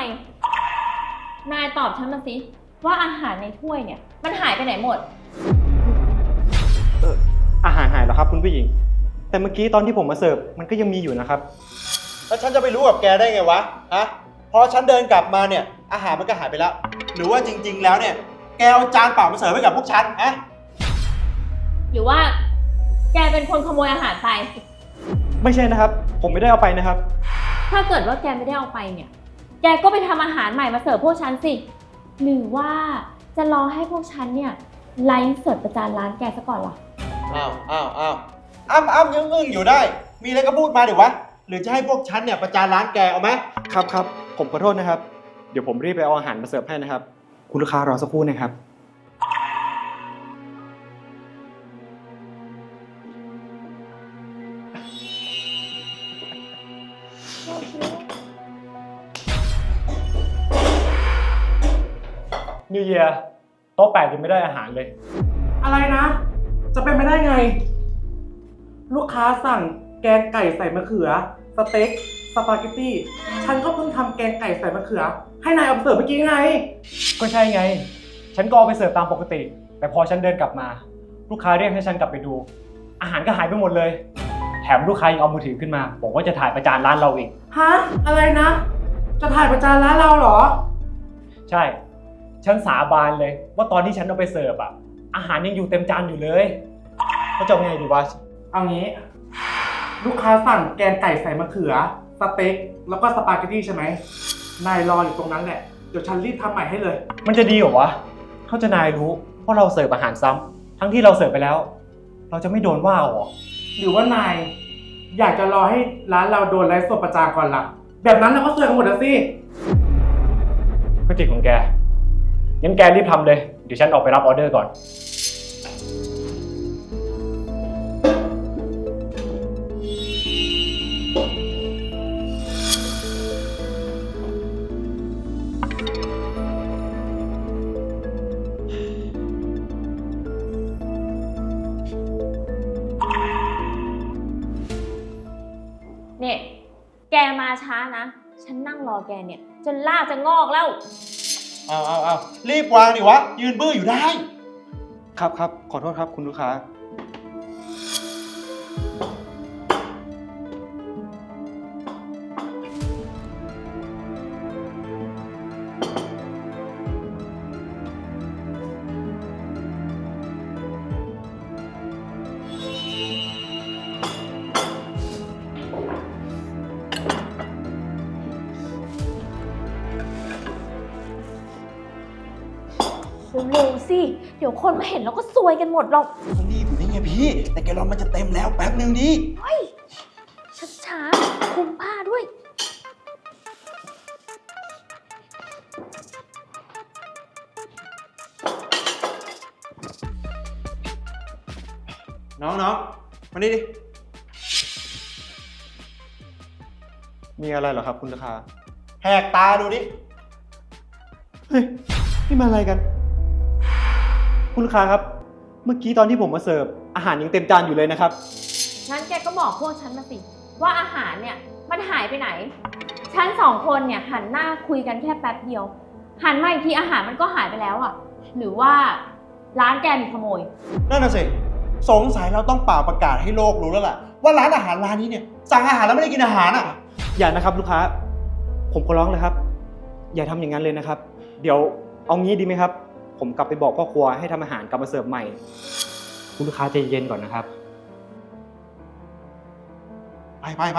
นายตอบฉันมาสิว่าอาหารในถ้วยเนี่ยมันหายไปไหนหมดอาหารหายแล้วครับคุณผู้หญิงแต่เมื่อกี้ตอนที่ผมมาเสิร์ฟมันก็ยังมีอยู่นะครับแล้วฉันจะไปรู้กับแกได้ไงวะฮะพอฉันเดินกลับมาเนี่ยอาหารมันก็หายไปแล้วหรือว่าจริงๆแล้วเนี่ยแกเอาจานเปล่ามาเสิร์ฟให้กับพวกฉันฮะหรือว่าแกเป็นคนขโมยอาหารไปไม่ใช่นะครับผมไม่ได้เอาไปนะครับถ้าเกิดว่าแกไม่ได้เอาไปเนี่ยแกก็ไปทำอาหารใหม่มาเสิร์ฟพวกฉันสิหรือว่าจะรอให้พวกฉันเนี่ยไลฟ์สดประจานร้านแกซะก่อนล่ะอ้ำยังอึ้งอยู่ได้มีอะไรก็พูดมาดิวะหรือจะให้พวกฉันเนี่ยประจานร้านแกเอาไหมครับผมขอโทษนะครับเดี๋ยวผมรีบไปเอาอาหารมาเสิร์ฟให้นะครับคุณลูกค้ารอสักครู่นะครับนิวเยียร์โต๊ะ8ยังไม่ได้อาหารเลยอะไรนะ จะเป็นไปได้ไง ลูกค้าสั่งแกงไก่ใส่มะเขือสเต็กสปาเกตตี้ฉันก็เพิ่งทำแกงไก่ใส่มะเขือให้นายเอาไปเสิร์ฟเมื่อกี้ไงก็ใช่ไงฉันก็เอาไปเสิร์ฟตามปกติแต่พอฉันเดินกลับมาลูกค้าเรียกให้ฉันกลับไปดูอาหารก็หายไปหมดเลยแถมลูกค้ายังเอามือถือขึ้นมาบอกว่าจะถ่ายประจานร้านเราอีกฮะอะไรนะจะถ่ายประจานร้านเราเหรอใช่ฉันสาบานเลยว่าตอนที่ฉันเอาไปเสิร์ฟอาหารยังอยู่เต็มจานอยู่เลยเขาจะไงดีวะเอางี้ลูกค้าสั่งแกงไก่ใส่มะเขือสเต็กแล้วก็สปาเกตตี้ใช่ไหมนายรออยู่ตรงนั้นแหละเดี๋ยวฉันรีบทำใหม่ให้เลยมันจะดีเหรอวะเขาจะนายรู้เพราะเราเสิร์ฟอาหารซ้ำทั้งที่เราเสิร์ฟไปแล้วเราจะไม่โดนว่าหรอหรือว่านายอยากจะรอให้ร้านเราโดนไลฟ์สดประจานก่อนล่ะแบบนั้นเราก็เสิร์ฟกันหมดแล้วสิก็จิตของแกงั้นแกรีบทำเลยเดี๋ยวฉันออกไปรับออเดอร์ก่อนเนี่ยแกมาช้านะฉันนั่งรอแกเนี่ยจนลากจะงอกแล้วเอารีบวางดิวะยืนบื้ออยู่ได้ครับขอโทษครับคุณลูกค้าเร็วๆสิเดี๋ยวคนมาเห็นแล้วก็ซวยกันหมดหรอกรีบอยู่นี่ไงพี่แต่แกรอมันจะเต็มแล้วแป๊บนึงดิเฮ้ยช้าๆคุมผ้าด้วยน้องมานี่ดิมีอะไรเหรอครับคุณลูกค้าแหกตาดูดิเฮ้ยนี่มาอะไรกันคุณลูกค้าครับเมื่อกี้ตอนที่ผมมาเสิร์ฟอาหารยังเต็มจานอยู่เลยนะครับงั้นแกก็บอกพวกฉันมาสิว่าอาหารเนี่ยมันหายไปไหนฉันสองคนเนี่ยหันหน้าคุยกันแค่แป๊บเดียวหันมาอีกทีอาหารมันก็หายไปแล้วหรือว่าร้านแกมีขโมยนั่นน่ะสิสงสัยเราต้องเป่าประกาศให้โลกรู้แล้วล่ะว่าร้านอาหารร้านนี้เนี่ยสั่งอาหารแล้วไม่ได้กินอาหารอย่านะครับลูกค้าผมขอร้องเลยครับอย่าทำอย่างนั้นเลยนะครับเดี๋ยวเอางี้ดีไหมครับผมกลับไปบอกพ่อครัวให้ทำอาหารกลับมาเสิร์ฟใหม่คุณลูกค้าใจเย็นก่อนนะครับไป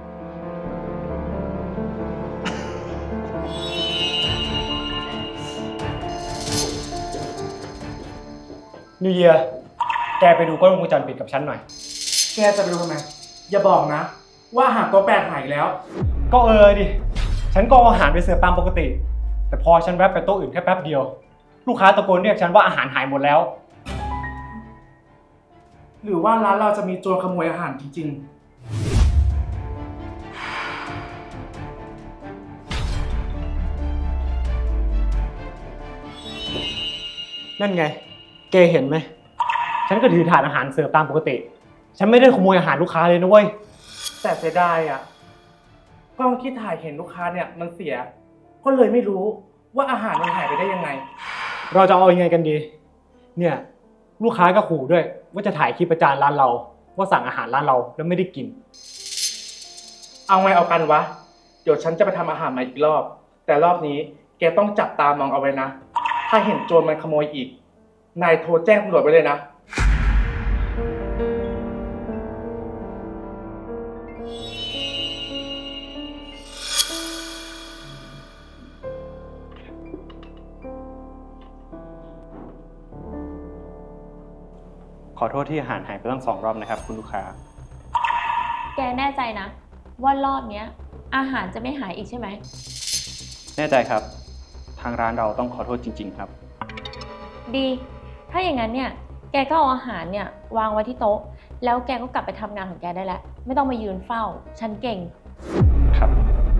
นิวเยียร์แกไปดูกล้องวงจรปิดกับฉันหน่อยแกจะไปดูทำไมอย่าบอกนะว่าอาหารโต๊ะ8หายแล้วก็ดิฉันก็เอาอาหารไปเสิร์ฟตามปกติแต่พอฉันแวะไปโต๊ะอื่นแค่แป๊บเดียวลูกค้าตะโกนเรียกฉันว่าอาหารหายหมดแล้วหรือว่าร้านเราจะมีโจรขโมยอาหารจริงๆนั่นไงแกเห็นไหมฉันก็ถือถาดอาหารเสิร์ฟตามปกติฉันไม่ได้ขโมยอาหารลูกค้าเลยนะเว้ยแต่เสียดายกล้องที่ถ่ายเห็นลูกค้าเนี่ยมันเสียก็ก็เลยไม่รู้ว่าอาหารมันหายไปได้ยังไงเราจะเอายังไงกันดี เนี่ยลูกค้าก็ขู่ด้วย ว่าจะถ่ายคลิปประจานร้านเรา ว่าสั่งอาหารร้านเราแล้วไม่ได้กินเอาไงเอากันวะ เดี๋ยวฉันจะไปทำอาหารใหม่อีกรอบ แต่รอบนี้แกต้องจับตามองเอาไว้นะ ถ้าเห็นโจรมันขโมยอีก นายโทรแจ้งตำรวจไว้เลยนะขอโทษที่อาหารหายไปตั้ง2 รอบนะครับคุณลูกค้าแกแน่ใจนะ ว่ารอบเนี้ยอาหารจะไม่หายอีกใช่ไหมแน่ใจครับ ทางร้านเราต้องขอโทษจริงๆครับดี ถ้าอย่างนั้นเนี่ย แกก็เอาอาหารเนี่ยวางไว้ที่โต๊ะ แล้วแกก็กลับไปทำงานของแกได้แล้ว ไม่ต้องมายืนเฝ้า ฉันเก่งครับ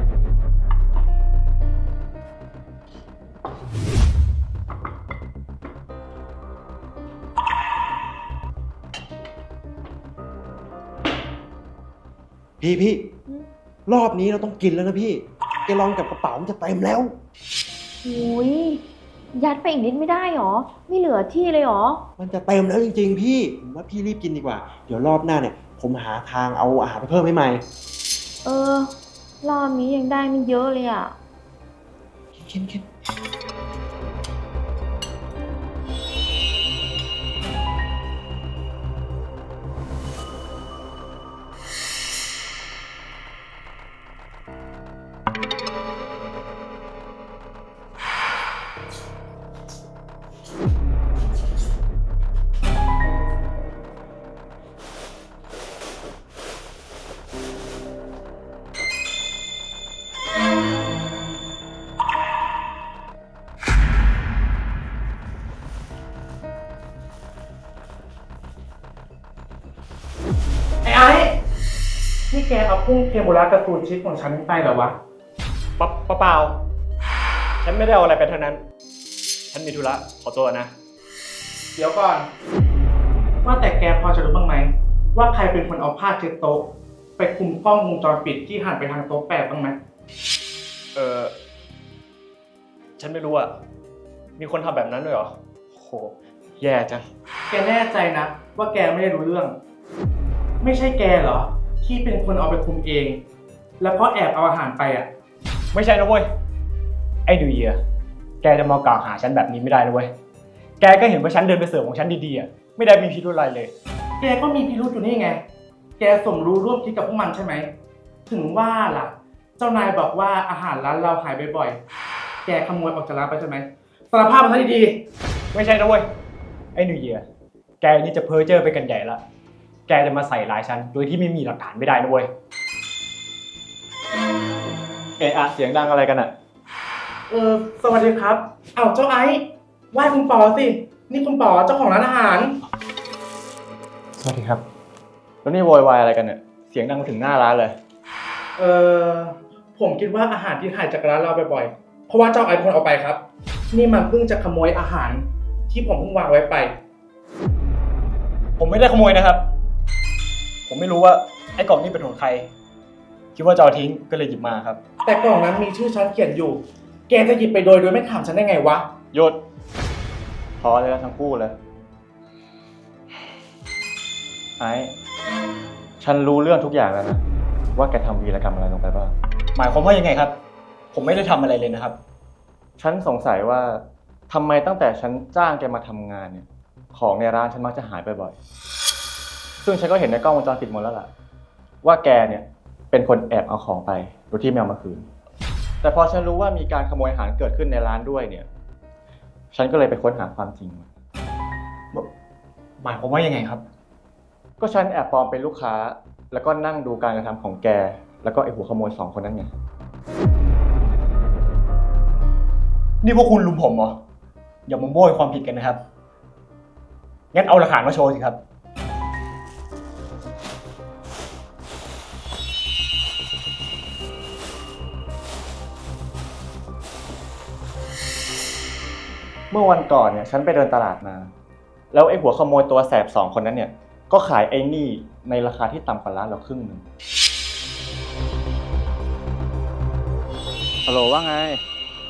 พี่อืมรอบนี้เราต้องกินแล้วนะพี่แกลองกับกระเป๋ามันจะเต็มแล้วหุยยัดไปอีกนิดไม่ได้หรอ ไม่เหลือที่เลยหรอมันจะเต็มแล้วจริงๆพี่ผมว่าพี่รีบกินดีกว่า เดี๋ยวรอบหน้าเนี่ย ผมหาทางเอาอาหารไปเพิ่มให้ใหม่เออ รอบนี้ยังได้ไม่เยอะเลยอ่ะกินไอ้นี่แกเอากุ้งเทมปุระการ์ตูนชิปของฉันไปเหรอวะเปล่า ฉันไม่ได้เอาอะไรไปทั้งนั้น ฉันมีธุระขอตัวนะเดี๋ยวก่อน ว่าแต่แกพอจะรู้บ้างไหม ว่าใครเป็นคนเอาผ้าเช็ดโต๊ะ ไปคุมกล้องวงจรปิดที่หันไปทางโต๊ะแปดบ้างไหมฉันไม่รู้อะมีคนทำแบบนั้นด้วยเหรอโหแย่จังแกแน่ใจนะ ว่าแกไม่ได้รู้เรื่อง ไม่ใช่แกเหรอ ที่เป็นคนเอาไปคุมเอง แล้วก็แอบเอาอาหารไปอ่ะไม่ใช่นะเว้ย ไอ้ดูเยียแกจะมากล่าวหาฉันแบบนี้ไม่ได้นะเว้ย แกก็เห็นว่าฉันเดินไปเสิร์ฟของฉันดีๆอะไม่ได้มีพิรุธอะไรเลยแกก็มีพิรุธอยู่นี่ไง แกสมรู้ร่วมคิดกับพวกมันใช่ไหม ถึงว่าล่ะ เจ้านายบอกว่าอาหารร้านเราหายบ่อยๆ แกขโมยออกจากร้านไปใช่ไหมสารภาพมาซะดีไม่ใช่นะเว้ย ไอ้นิวเยียแกนี่จะเพ้อเจ้อไปกันใหญ่ละ แกจะมาใส่ร้ายฉันโดยที่ไม่มีหลักฐานไม่ได้นะเว้ย เสียงดังอะไรกันอะสวัสดีครับ เอ้าเจ้าไอซ์ไหว้คุณปอสิ นี่คุณปอเจ้าของร้านอาหารสวัสดีครับ แล้วนี่โวยวายอะไรกันเนี่ยเสียงดังมาถึงหน้าร้านเลยผมคิดว่าอาหารที่หายจากร้านเราบ่อยๆ เพราะว่าเจ้าไอซ์เป็นคนเอาไปครับ นี่มันเพิ่งจะขโมยอาหารที่ผมเพิ่งวางไว้ไปผมไม่ได้ขโมยนะครับ ผมไม่รู้ว่าไอ้กล่องนี้เป็นของใคร คิดว่าจะเอาทิ้งก็เลยหยิบมาครับแต่กล่องนั้นมีชื่อฉันเขียนอยู่ แกจะหยิบไปโดยไม่ถามฉันได้ไงวะหยุดพอเลยทั้งคู่เลยไอ้ฉันรู้เรื่องทุกอย่างแล้วนะ ว่าแกทำวีรกรรมอะไรลงไปบ้างหมายความว่ายังไงครับ ผมไม่ได้ทำอะไรเลยนะครับฉันสงสัยว่าทำไมตั้งแต่ฉันจ้างแกมาทำงานเนี่ย ของในร้านฉันมักจะหายบ่อยๆ ซึ่งฉันก็เห็นในกล้องวงจรปิดหมดแล้วล่ะ ว่าแกเนี่ยเป็นคนแอบเอาของไปโดยที่ไม่เอามาคืน แต่พอฉันรู้ว่ามีการขโมยอาหารเกิดขึ้นในร้านด้วยเนี่ย ฉันก็เลยไปค้นหาความจริงมาหมายความว่ายังไงครับก็ฉันแอบปลอมเป็นลูกค้า แล้วก็นั่งดูการกระทำของแก แล้วก็ไอหัวขโมย2 คนนั้นไงนี่พวกคุณลุมผมเหรอ อย่ามาโบยความผิดกันนะครับ งั้นเอาหลักฐานมาโชว์สิครับเมื่อวันก่อนเนี่ยฉันไปเดินตลาดมา แล้วไอ้หัวขโมยตัวแสบ2 คนนั้นเนี่ยก็ขายไอ้นี่ในราคาที่ต่ำกว่าร้านเราครึ่งหนึ่งฮัลโหลว่าไง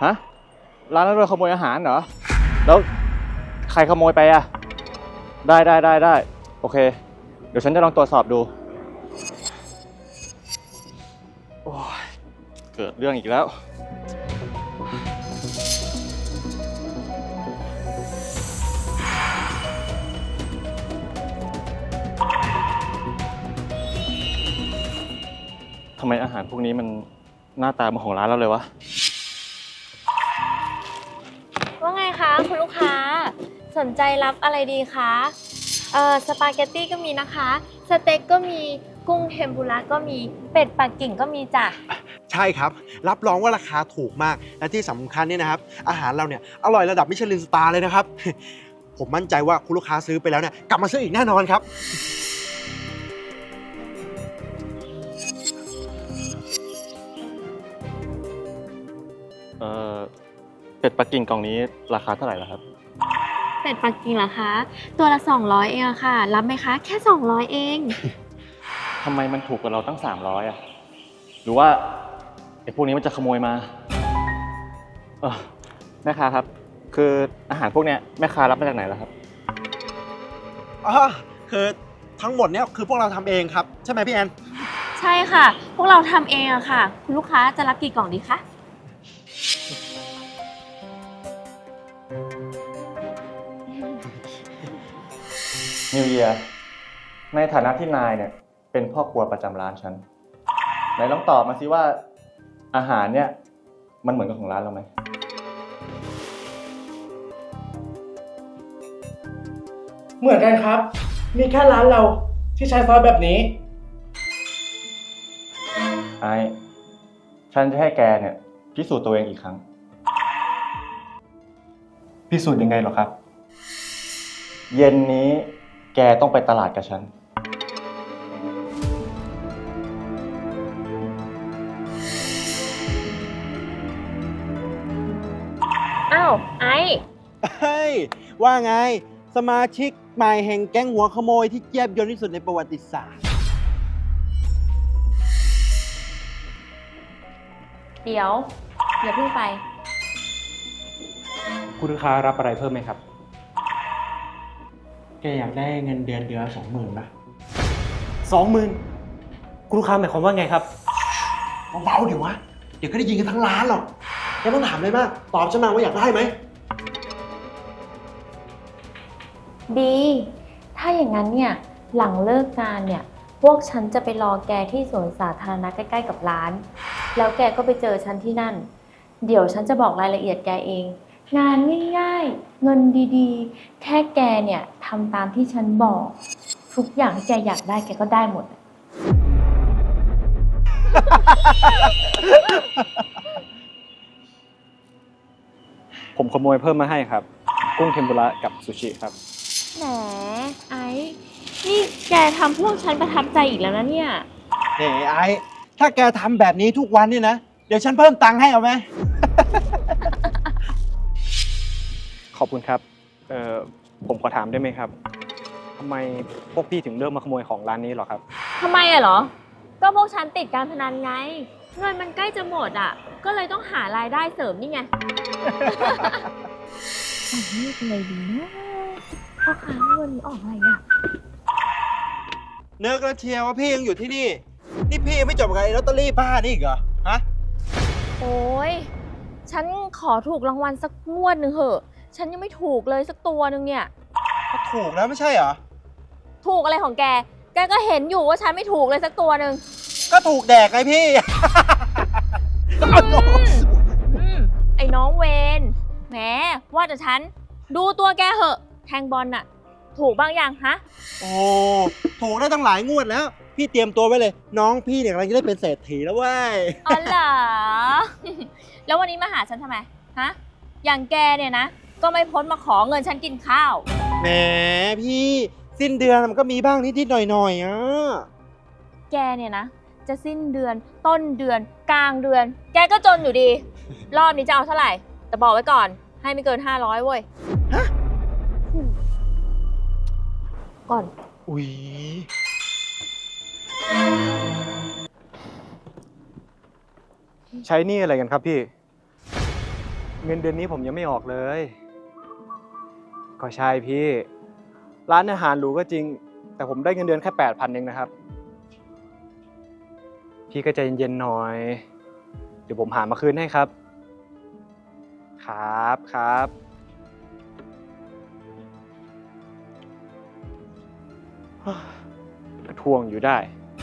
ฮะ ร้านนั้นโดนขโมยอาหารเหรอ แล้วใครขโมยไปอะได้ โอเค เดี๋ยวฉันจะลองตรวจสอบดู โอ้ยเกิดเรื่องอีกแล้ว ทำไมอาหารพวกนี้มันหน้าตาเหมือนของร้านเราเลยวะว่าไงคะคุณลูกค้าสนใจรับอะไรดีคะสปาเกตตี้ก็มีนะคะสเต็กก็มีกุ้งเทมปุระก็มีเป็ดปักกิ่งก็มีจ้ะใช่ครับ รับรองว่าราคาถูกมาก และที่สำคัญเนี่ยนะครับ อาหารเราเนี่ยอร่อยระดับมิชลินสตาร์เลยนะครับ ผมมั่นใจว่าคุณลูกค้าซื้อไปแล้วเนี่ยกลับมาซื้ออีกแน่นอนครับเป็ดปักกิ่งกล่องนี้ราคาเท่าไหร่ล่ะครับเป็ดปักกิ่งเหรอคะตัวละ200เองอะค่ะรับไหมคะแค่200เองทำไมมันถูกกว่าเราตั้ง300อ่ะ หรือว่าไอ้พวกนี้มันจะขโมยมาแม่ค้าครับ คืออาหารพวกเนี้ยแม่ค้ารับมาจากไหนล่ะครับอ๋อ คือทั้งหมดเนี่ยคือพวกเราทำเองครับ ใช่ไหมพี่แอนใช่ค่ะ พวกเราทำเองอะค่ะคุณลูกค้าจะรับกี่กล่องดีคะนิวเยียร์ในฐานะที่นายเนี่ยเป็นพ่อครัวประจำร้านฉันไหนลองตอบมาสิว่าอาหารเนี่ยมันเหมือนกับของร้านเราไหมเหมือนกันครับ มีแค่ร้านเราที่ใช้ซอสแบบนี้ไอ้ฉันจะให้แกเนี่ยพิสูจน์ตัวเองอีกครั้งพิสูจน์ยังไงหรอครับเย็นนี้แกต้องไปตลาดกับฉันอ้าวไอเฮ้ย ว่าไง สมาชิกใหม่แห่งแก๊งหัวขโมยที่แยบยลที่สุดในประวัติศาสตร์เดี๋ยวอย่าเพิ่งไปคุณลูกค้ารับอะไรเพิ่มไหมครับแกอยากได้เงินเดือน20,000ป่ะ 20,000คุณลูกค้าหมายความว่าไงครับเบาๆเดี๋ยววะ เดี๋ยวก็ได้ยินกันทั้งร้านหรอกแกต้องถามเลยมาก ตอบฉันมาว่าอยากได้ไหมดี ถ้าอย่างนั้นเนี่ยหลังเลิกงานเนี่ยพวกฉันจะไปรอแกที่สวนสาธารณะใกล้ๆกับร้าน แล้วแกก็ไปเจอฉันที่นั่น เดี๋ยวฉันจะบอกรายละเอียดแกเอง งานง่ายๆ เงินดีๆ แค่แกเนี่ยทำตามที่ฉันบอก ทุกอย่างที่แกอยากได้แกก็ได้หมดผมขโมยเพิ่มมาให้ครับ กุ้งเทมปุระกับซูชิครับแหมไอ้นี่แกทำพวกฉันประทับใจอีกแล้วนะเนี่ยเฮ้ไอ้ถ้าแกทำแบบนี้ทุกวันนี่นะ เดี๋ยวฉันเพิ่มตังค์ให้เอาไหมขอบคุณครับ ผมขอถามได้ไหมครับทำไมพวกพี่ถึงเลือกมาขโมยของร้านนี้หรอครับทำไมอะเหรอ ก็พวกฉันติดการพนันไง เงินมันใกล้จะหมดอะก็เลยต้องหารายได้เสริมนี่ไง นี่เป็นไงดีนะพ่อค้าเงินออกอะไรอะเนื้อกระเชียวว่าพี่ยังอยู่ที่นี่ นี่พี่ยังไม่จบกับไอ้ลอตเตอรี่บ้านี่อีกเหรอ ฮะโอ้ยฉันขอถูกรางวัลสักงวดหนึ่งเหอะ ฉันยังไม่ถูกเลยสักตัวหนึ่งเนี่ยก็ถูกแล้วไม่ใช่เหรอถูกอะไรของแก แกก็เห็นอยู่ว่าฉันไม่ถูกเลยสักตัวหนึ่งก็ถูกแดกไงพี่ไอ้น้องเวนแหมว่าแต่ฉันดูตัวแกเหอะ แทงบอลน่ะ ถูกบ้างยังฮะโอ้ ถูกได้ตั้งหลายงวดแล้ว พี่เตรียมตัวไว้เลย น้องพี่เนี่ยกำลังจะได้เป็นเศรษฐีแล้วเว้ยอ๋อเหรอ แล้ววันนี้มาหาฉันทำไม ฮะ อย่างแกเนี่ยนะ ก็ไม่พ้นมาขอเงินฉันกินข้าวแหมพี่สิ้นเดือนมันก็มีบ้างนิดๆหน่อยๆอ่ะแกเนี่ยนะ จะสิ้นเดือน ต้นเดือน กลางเดือน แกก็จนอยู่ดี รอบนี้จะเอาเท่าไหร่ แต่บอกไว้ก่อน ให้ไม่เกิน500เว้ยฮะก่อนอุ๊ยใช้หนี่อะไรกันครับพี่เงินเดือนนี้ผมยังไม่ออกเลย ก็ใช่พี่ ร้านอาหารหรูก็จริง แต่ผมได้เงินเดือนแค่8,000เองนะครับ พี่ก็ใจเย็นๆหน่อย เดี๋ยวผมหามาคืนให้ครับ ครับครับก็ทวงอยู่ได้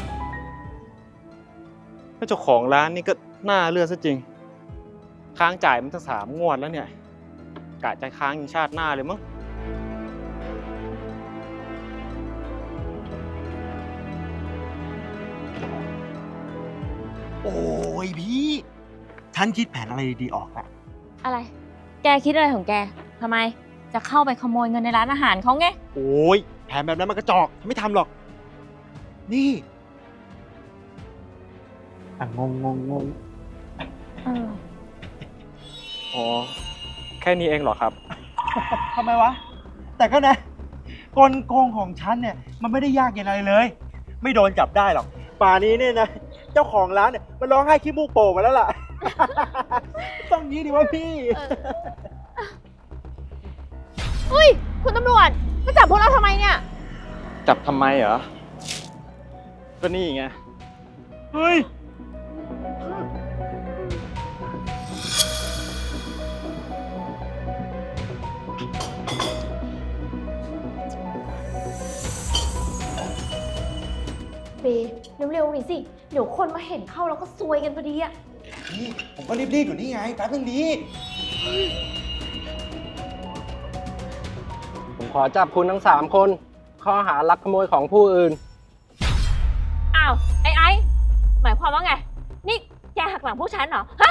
แล้วเจ้าของร้านนี่ก็น่าเลือดซะจริง ค้างจ่ายมันตั้ง3 งวดแล้วเนี่ย กะจะค้างยิงชาติหน้าเลยมั้งโอ้ยพี่ ฉันคิดแผนอะไรดีๆออกแล้วอะไร แกคิดอะไรของแกทำไม จะเข้าไปขโมยเงินในร้านอาหารเขาไงโอ้ยแผนแบบนั้นมันกระจอกฉันไม่ทำหรอก นี่งงอ๋อ แค่นี้เองเหรอครับทำไมวะ แต่ก็นะกลโกงของฉันเนี่ยมันไม่ได้ยากอย่างไรเลย ไม่โดนจับได้หรอก ป่านี้เนี่ยนะ เจ้าของร้านเนี่ยมันร้องไห้ขี้มูกโป่งมาแล้วล่ะ ต้องงี้ดิวะพี่เฮ้ย คุณตำรวจมาจับพวกเราทำไมเนี่ยจับทำไมเหรอ ก็นี่ไงเฮ้ยเบเร็วๆหน่อยสิ เดี๋ยวคนมาเห็นเข้าแล้วก็ซวยกันพอดีอะนี่ผมก็รีบๆอยู่นี่ไงแป๊บนึงดีผมขอจับคุณทั้ง3 คนข้อหาลักขโมยของผู้อื่นอ้าว ไอ้หมายความว่าไง นี่แกหักหลังพวกฉันเหรอ ฮะ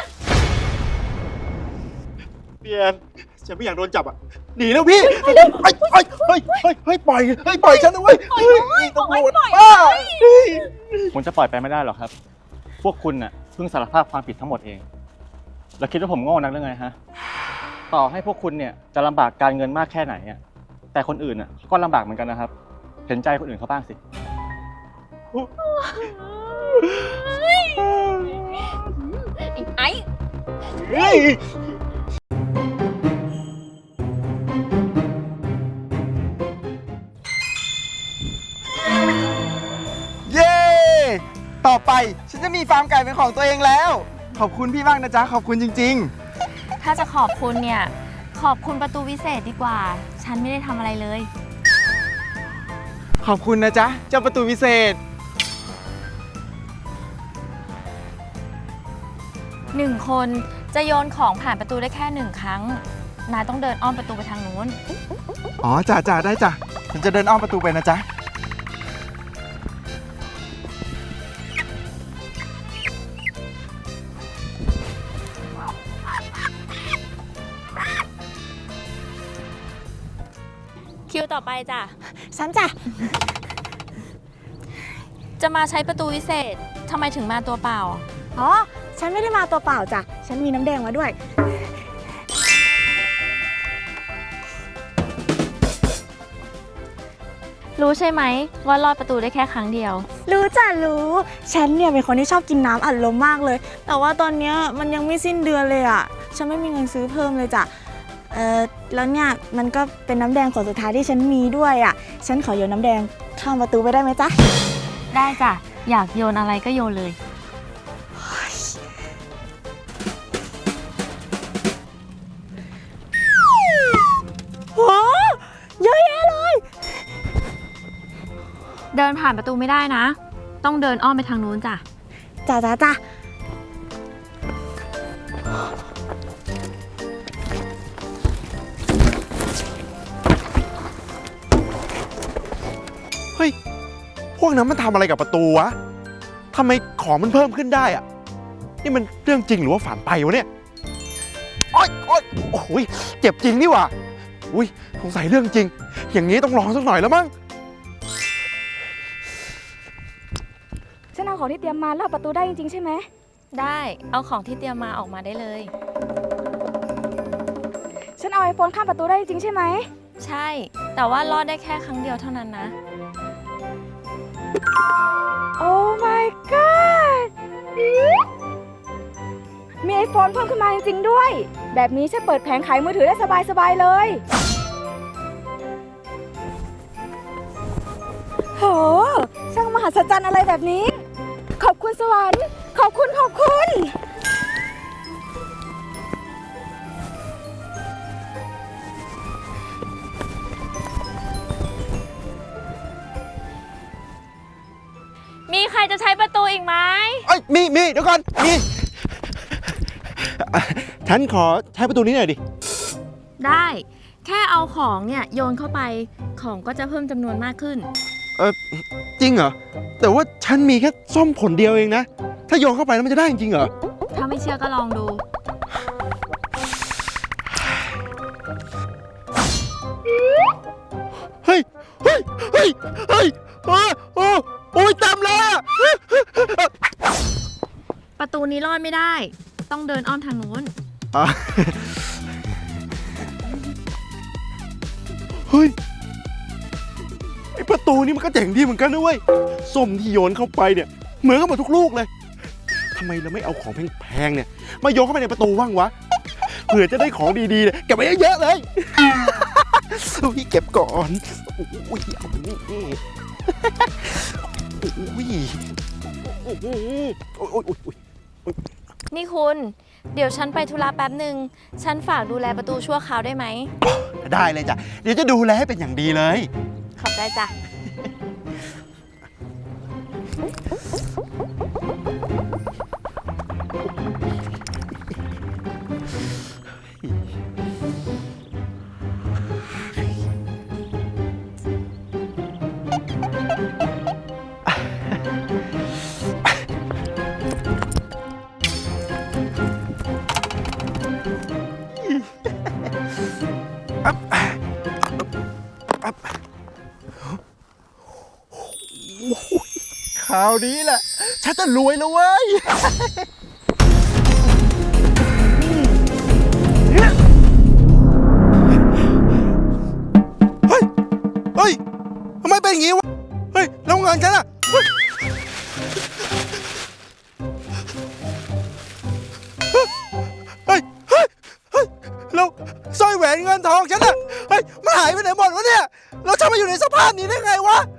เปียนฉันไม่อยากโดนจับอ่ะ หนีแล้วพี่เฮ้ยปล่อยปล่อยฉันนะเว้ยเฮ้ยตำรวจบ้าผมจะปล่อยไปไม่ได้หรอกครับ พวกคุณน่ะเพิ่งสารภาพความผิดทั้งหมดเอง แล้วคิดว่าผมโง่นักหรือไงฮะ ต่อให้พวกคุณเนี่ยจะลำบากการเงินมากแค่ไหนอ่ะ แต่คนอื่นน่ะก็ลำบากเหมือนกันนะครับ เห็นใจคนอื่นเขาบ้างสิไอ้เฮ้ยเย้ ต่อไปฉันจะมีฟาร์มไก่เป็นของตัวเองแล้ว ขอบคุณพี่มากนะจ๊ะ ขอบคุณจริงถ้าจะขอบคุณเนี่ย ขอบคุณประตูวิเศษดีกว่า ฉันไม่ได้ทำอะไรเลยๆ ขอบคุณนะจ๊ะ เจ้าประตูวิเศษ 1 คนจะโยนของผ่านประตูได้แค่1 ครั้ง นายต้องเดินอ้อมประตูไปทางนู้นอ๋อจ้ะได้จ้ะ ฉันจะเดินอ้อมประตูไปนะจ๊ะคิวต่อไปจ้ะฉันจ้ะจะมาใช้ประตูวิเศษทำไมถึงมาตัวเปล่าอ๋อ ฉันไม่ได้มาตัวเปล่าจ้ะ ฉันมีน้ำแดงมาด้วยรู้ใช่ไหมว่ารอดประตูได้แค่ครั้งเดียวรู้จ้ะรู้ ฉันเนี่ยเป็นคนที่ชอบกินน้ำอัดลมมากเลย แต่ว่าตอนเนี้ยมันยังไม่สิ้นเดือนเลยอ่ะ ฉันไม่มีเงินซื้อเพิ่มเลยจ้ะ แล้วเนี่ยมันก็เป็นน้ำแดงขวดสุดท้ายที่ฉันมีด้วยอ่ะ ฉันขอโยนน้ำแดงข้ามประตูไปได้ไหมจ๊ะได้จ้ะ อยากโยนอะไรก็โยนเลยโหเยอะแยะเลยเดินผ่านประตูไม่ได้นะ ต้องเดินอ้อมไปทางนู้นจ้ะจ้ะเฮ้ย พวกนั้นมันทำอะไรกับประตูวะ ทำไมของมันเพิ่มขึ้นได้อะนี่มันเรื่องจริงหรือว่าฝันไปวะเนี่ยโอ๊ยโอ้ยเจ็บจริงนี่หว่าอุ้ยสงสัยเรื่องจริง อย่างนี้ต้องลองสักหน่อยแล้วมั้งฉันเอาของที่เตรียมมาแล้วประตูได้จริงๆใช่ไหมได้ เอาของที่เตรียมมาออกมาได้เลยฉันเอาไอโฟนข้ามประตูได้จริงๆใช่ไหมใช่ แต่ว่ารอดได้แค่ครั้งเดียวเท่านั้นนะโอ้ my god มีไอโฟนเพิ่มขึ้นมาจริงๆด้วย แบบนี้ฉันเปิดแผงขายมือถือได้สบายๆเลย โห ช่างมหัศจรรย์อะไรแบบนี้ ขอบคุณสวรรค์ ขอบคุณมีใครจะใช้ประตูอีกไหมเอ้ยมีเดี๋ยวก่อนมีฉันขอใช้ประตูนี้หน่อยดิได้ แค่เอาของเนี่ยโยนเข้าไป ของก็จะเพิ่มจำนวนมากขึ้นจริงเหรอ แต่ว่าฉันมีแค่ส้มผลเดียวเองนะ ถ้าโยนเข้าไปแล้วมันจะได้จริงเหรอถ้าไม่เชื่อก็ลองดูเฮ้ยโอ้ยเต็มเลยอะประตูนี้รอดไม่ได้ ต้องเดินอ้อมทางนู้นอ่ะเฮ้ย ไอประตูนี้มันก็เจ๋งดีเหมือนกันนะเว้ย ส้มที่โยนเข้าไปเนี่ย เหมือนกันหมดทุกลูกเลย ทำไมเราไม่เอาของแพงๆเนี่ย มาโยนเข้าไปในประตูบ้างวะ เผื่อจะได้ของดีๆเนี่ยเก็บไว้เยอะๆเลยพี่เก็บก่อนอุ้ยเอามานี่อุ้ยอุ้ยนี่คุณ เดี๋ยวฉันไปธุระแป๊บหนึ่ง ฉันฝากดูแลประตูชั่วคราวได้ไหมได้เลยจ้ะ เดี๋ยวจะดูแลให้เป็นอย่างดีเลยขอบใจจ้ะคราวนี้แหละ ฉันจะรวยแล้วเว้ย เฮ้ย ทำไมเป็นอย่างงี้วะ เฮ้ย แล้วเงินฉันอะเฮ้ยแล้วสร้อยแหวนเงินทองฉันอะเฮ้ย มันหายไปไหนหมดวะเนี่ย แล้วฉันมาอยู่ในสภาพนี้ได้ไงวะ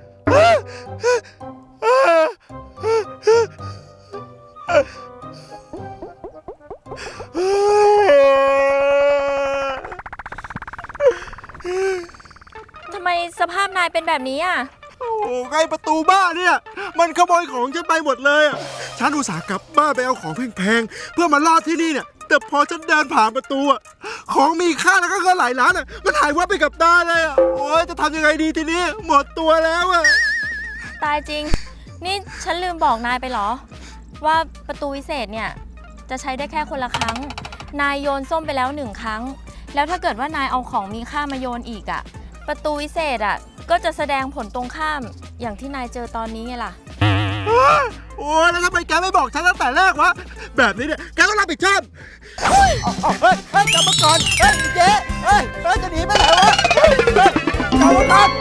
ทำไมสภาพนายเป็นแบบนี้อ่ะโอ้โหไอ้ประตูบ้านเนี่ย มันขโมยของฉันไปหมดเลยอ่ะ ฉันอุตส่าห์กลับบ้านไปเอาของแพงๆ เพื่อมาลอดที่นี่เนี่ย แต่พอฉันเดินผ่านประตูอ่ะ ของมีค่าแล้วก็เงินหลายล้านอ่ะ มันหายวับไปกับตาเลยอ่ะ โอ้ยจะทำยังไงดีทีนี้ หมดตัวแล้วอ่ะตายจริง นี่ฉันลืมบอกนายไปเหรอ ว่าประตูวิเศษเนี่ยจะใช้ได้แค่คนละครั้ง นายโยนส้มไปแล้ว1 ครั้ง แล้วถ้าเกิดว่านายเอาของมีค่ามาโยนอีกอ่ะ ประตูวิเศษอ่ะก็จะแสดงผลตรงข้ามอย่างที่นายเจอตอนนี้ไงล่ะโอ้ยแล้วทำไมแกไม่บอกฉันตั้งแต่แรกวะ แบบนี้เนี่ยแกต้องรับผิดชอบเฮ้ยกลับมาก่อน เฮ้ยเจ๊เฮ้ยจะหนีไปไหนวะกลับมาก่อน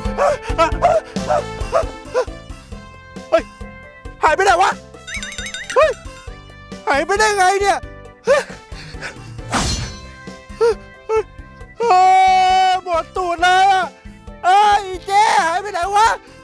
เฮ้ย หายไปไหนวะ เฮ้ย หายไปได้ไงเนี่ยหมดตูดเลยอ่ะเอ้ยเจ๊หายไปไหนวะ